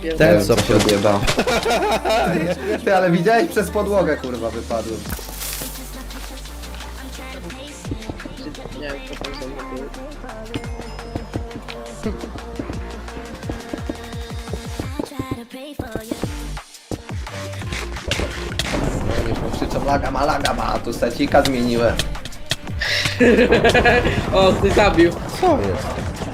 Ten co się odjebał. Ty, ale widziałeś przez podłogę, kurwa, wypadłem. Nie wiem, co tam są były. Oni krzyczą laga ma, a tu secika zmieniłem. O, ty zabił. Co jest?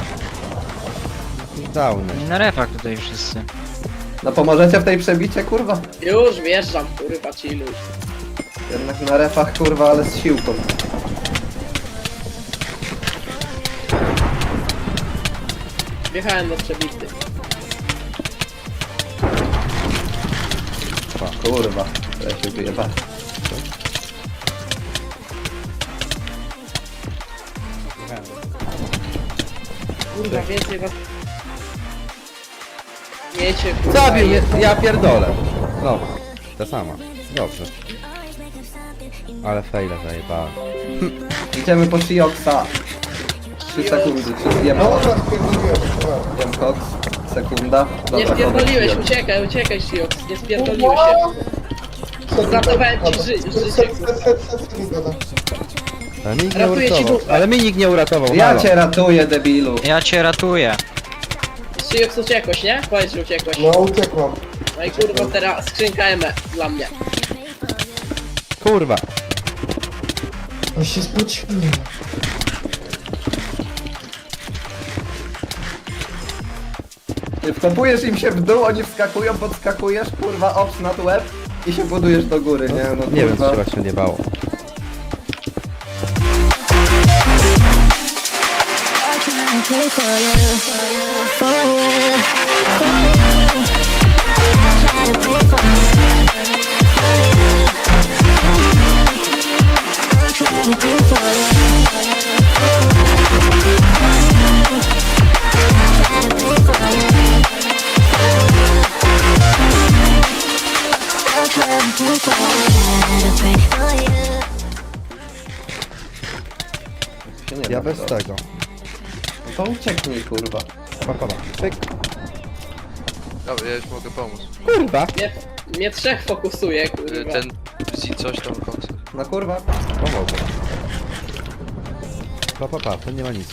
Downy. Na refach tutaj wszyscy. No pomożecie w tej przebicie, kurwa? Już wjeżdżam, kurwa, chilluj. Jednak na refach, kurwa, ale z siłką. Wjechałem do przebity. Kurwa, ja się wyjebałem. Kurwa, więcej was... Miecie, kurwa, Zabił mnie, jest. ja pierdolę. No, ta sama. Dobrze. Ale fejla zajebałem. Idziemy po Shioxa. 3 sekundy, 3 jem koks. Sekunda. Nie Dobra, spierdoliłeś, koks. uciekaj, Shiox, nie spierdoliłeś się. Zatowałem ci życie. Ale mi nikt nie Ratuję ci uratował. dupę. Ale mi nikt nie uratował. Ja halo. cię ratuję, debilu. Ja cię ratuję. Shiox uciekłeś, nie? Powiedz, że uciekłeś. No uciekłam. No i kurwa, teraz skrzynka ME dla mnie. Kurwa. On się spociłem. Ty wkopujesz im się w dół, oni wskakują, podskakujesz, kurwa, ops nad łeb i się budujesz do góry, nie? No Nie wiem, kurwa. co się właśnie odjebało. Się nie Ja da bez to. tego. No to ucieknij, kurwa. Pa. Pyk. Dobra, ja już mogę pomóc. Kurwa. Mnie trzech fokusuje, kurwa. Ten z coś tam koks. No kurwa. Pomogę. Pa, to nie ma nic.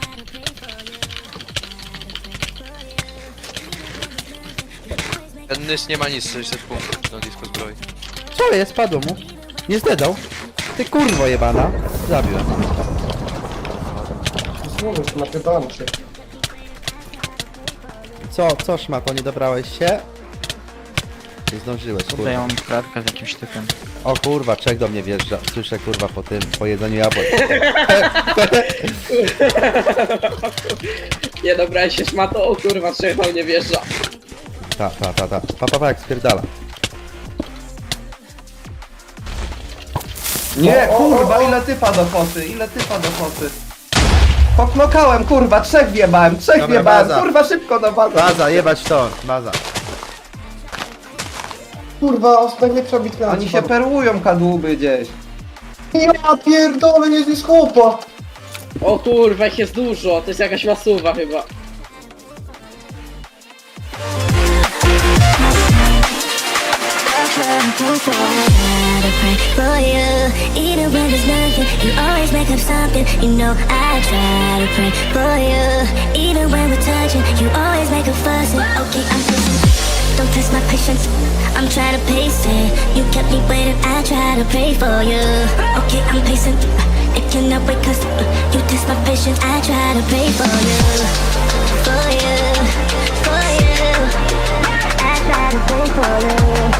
Ten nys nie ma nic, 600 punktów na disco zbroi. Co jest? Padło mu. Nie zdedał. Ty kurwo jebana. Zabiłem. Znowu napytałem się. Co szmato, nie dobrałeś się? Nie zdążyłeś, Tutaj ja kurwa. mam klatkę z jakimś typem. O kurwa, czek do mnie wjeżdża. Słyszę kurwa po tym, po jedzeniu jabłek. Nie dobra, się szmato, o kurwa, trzech do mnie wjeżdża. Ta. Pa, jak spierdala. Nie, kurwa, ile typa do foty, Poknokałem, kurwa, trzech wjebałem, Dobra, wjebałem, baza. kurwa, szybko na bazę. Baza, jebać to, baza. Kurwa, najlepsza bitka na Oni się świecie. perłują kadłuby gdzieś. Ja pierdolę, nie jest chłopa. O kurwa, ich jest dużo, to jest jakaś masuwa chyba. For you, even when there's nothing, you always make up something. You know I try to pray for you, even when we're touching, you always make a fuss. Okay, I'm patient. Don't test my patience. I'm trying to pace it. You kept me waiting. I try to pray for you. Okay, I'm patient. It cannot wait 'cause you test my patience. I try to pray for you, for you, for you. I try to pray for you.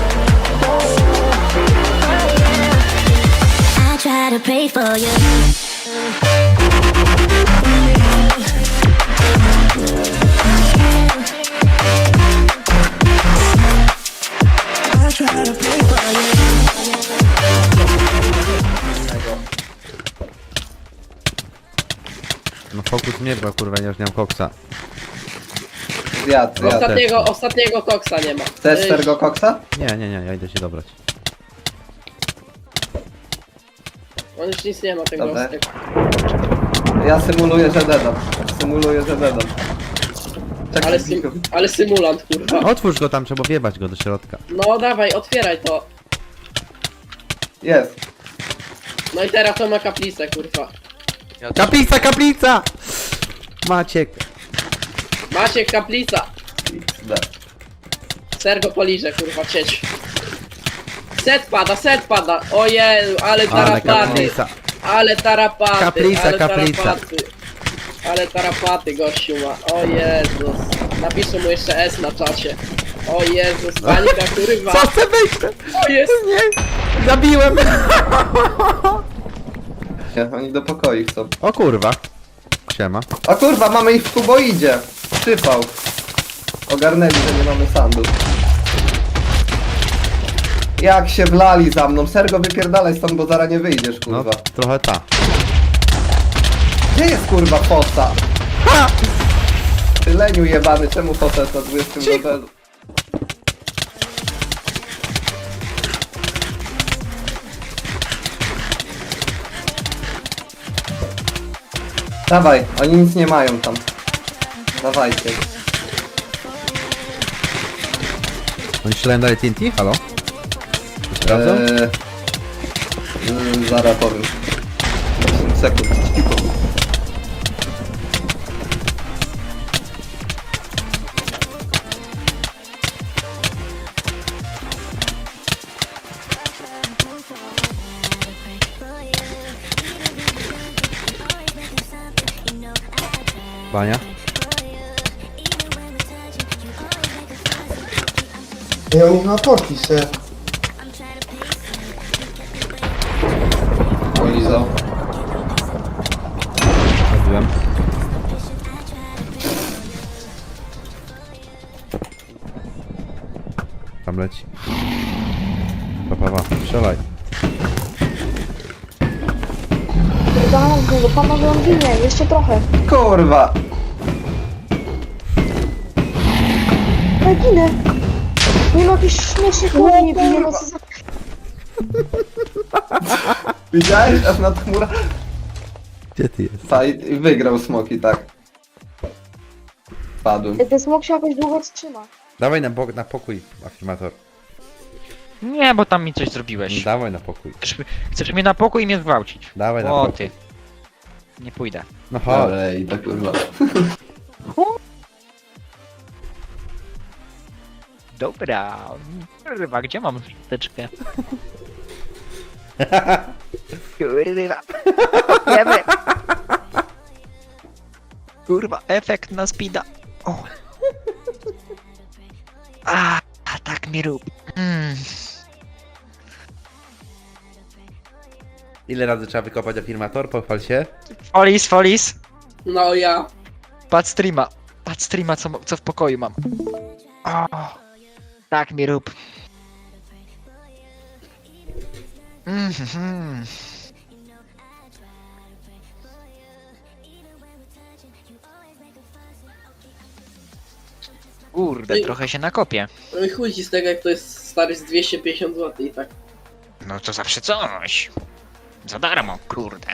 I try to pray for you. I try to pray for No fokus mnie, bo kurwa nie już nie mam koksa. Zjadł. Ostatniego koksa nie ma. Chcesz tego koksa? Nie, ja idę się dobrać. On już nic nie ma tego Dobra. ostatniego. Ja symuluję, że dedam. Ale, ale symulant, kurwa. Otwórz go tam, trzeba wjebać go do środka. No dawaj, otwieraj to. Jest. No i teraz to ma kaplicę, kurwa. Ja też... Kaplica, kaplica! Maciek. Maciek, kaplica. Da. Sergo poliże, kurwa, cieć. Set pada. Ojeju, ale Ale tarapaty. kaplica. Ale tarapaty. Kaplica, ale kaplica. Tarapaty. Ale tarapaty gościu ma. O Jezus. Napiszę mu jeszcze S na czacie. O Jezus, panika, kurwa. Co chcę wyjść? O jest. Nie! Zabiłem! Nie, oni do pokoi chcą. O kurwa. Siema. O kurwa, mamy ich w kuboidzie. Przypał. Ogarnęli, że nie mamy sandu. Jak się wlali za mną. Sergo, wypierdalaj stąd, bo zaraz nie wyjdziesz, No, kurwa. trochę ta. Gdzie jest kurwa fosa? Ty leniu jebany, czemu fosa jest na 20 levelu? Dawaj, oni nic nie mają tam. Dawajcie. Oni strzelają dalej TNT? Halo? Sprawdzą? Zaraz powiem. 10 sekund. Cicho. Bania? I oni chyba poszli se. Polizał. Zabiłem. Tam leci. Pa. Strzelaj. Panowie, panowie, on ginie, jeszcze trochę. Kurwa! Ja ginę. Nie ma jakiś śmieszny chłop, nie bije, no co za... Widziałeś? Aż nad chmura... Gdzie ty jest? I wygrał smoki, tak. Padłem. Ten smok się jakoś długo trzyma. Dawaj na pokój, afirmator. Nie, bo tam mi coś zrobiłeś. Dawaj na pokój. Chcesz mnie na pokój i mnie zgwałcić. Dawaj na O pokój. ty. Nie pójdę. No chodź. Ale i tak kurwa. Dobra. Kurwa, gdzie mam szczoteczkę? Kurwa. Wiemy. Kurwa, efekt na speeda. O. A tak mi rób. Ile razy trzeba wykopać afirmator? Pochwal się. Folis. No ja. Patrz streama, co w pokoju mam. O. Tak mi rób. Kurde, trochę się nakopię. No i chuj ci z tego, jak to jest stary z 250 zł i tak. No to zawsze coś. Za darmo, kurde.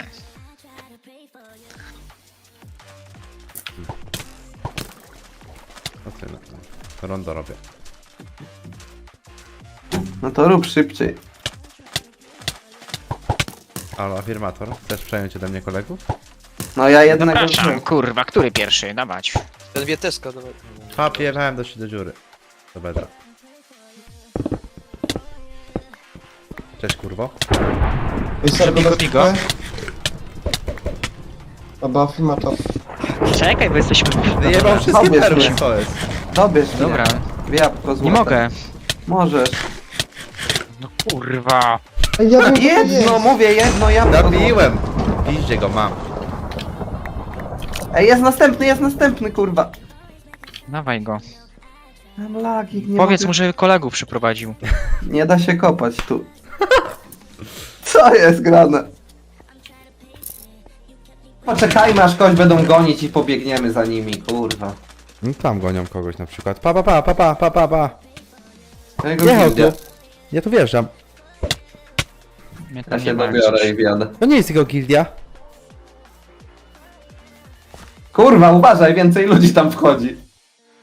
O ty, no. Rondo robię. No to rób szybciej. Halo, afirmator. Chcesz przejąć ode mnie kolegów? No ja jednego... Zapraszam, kurwa, który pierwszy? Dawać. Ten wieteska, dawaj. Papierałem do dziury. Do bedra. Cześć kurwo. I Sergo Bigo, bez bigo. TP. Albo afirmator. Czekaj, bo jesteśmy... Wyjebał wszystkie Pobierz perły, mnie. co jest? Dobierz mnie. Dobra, Jabłko złote. nie mogę. Możesz. No kurwa. Ej, ja wiem, co to Jedno, jest. mówię, jedno jabłko złote. Zabiłem! Piździe go mam. Ej, jest następny, kurwa. Dawaj go. Mam lagi, nie Powiedz mogę... mu, że kolegów przyprowadził. Nie da się kopać tu. Co jest grane? Poczekajmy, aż kogoś będą gonić i pobiegniemy za nimi, kurwa. No tam gonią kogoś na przykład. Pa. Jego Jechał gildia. tu. Ja tu wjeżdżam. Mnie Ja tam się nie ma dobiorę gdzieś. i wjadę. To nie jest jego gildia. Kurwa, uważaj, więcej ludzi tam wchodzi.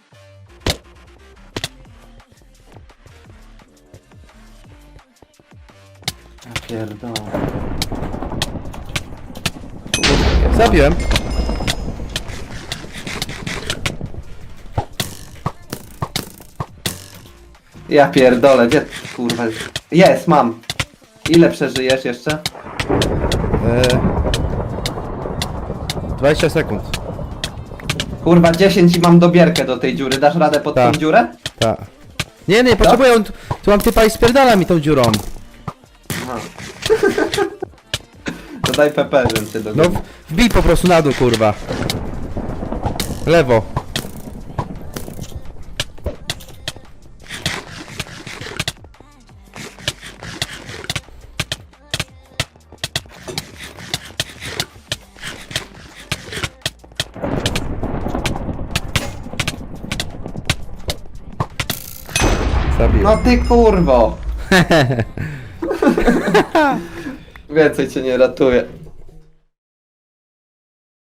pierdolę. Zabiłem. Ja pierdolę, gdzie kurwa jest, mam. Ile przeżyjesz jeszcze? 20 sekund. Kurwa 10 i mam dobierkę do tej dziury, dasz radę pod Tak. tą dziurę? Tak. Nie, potrzebuję, tu mam typa i spierdala mi tą dziurą. Aha. To daj PP, żebym cię No dogonił. wbij po prostu na dół, kurwa. Lewo. Zabiłem. No ty kurwo! Więcej cię nie ratuje.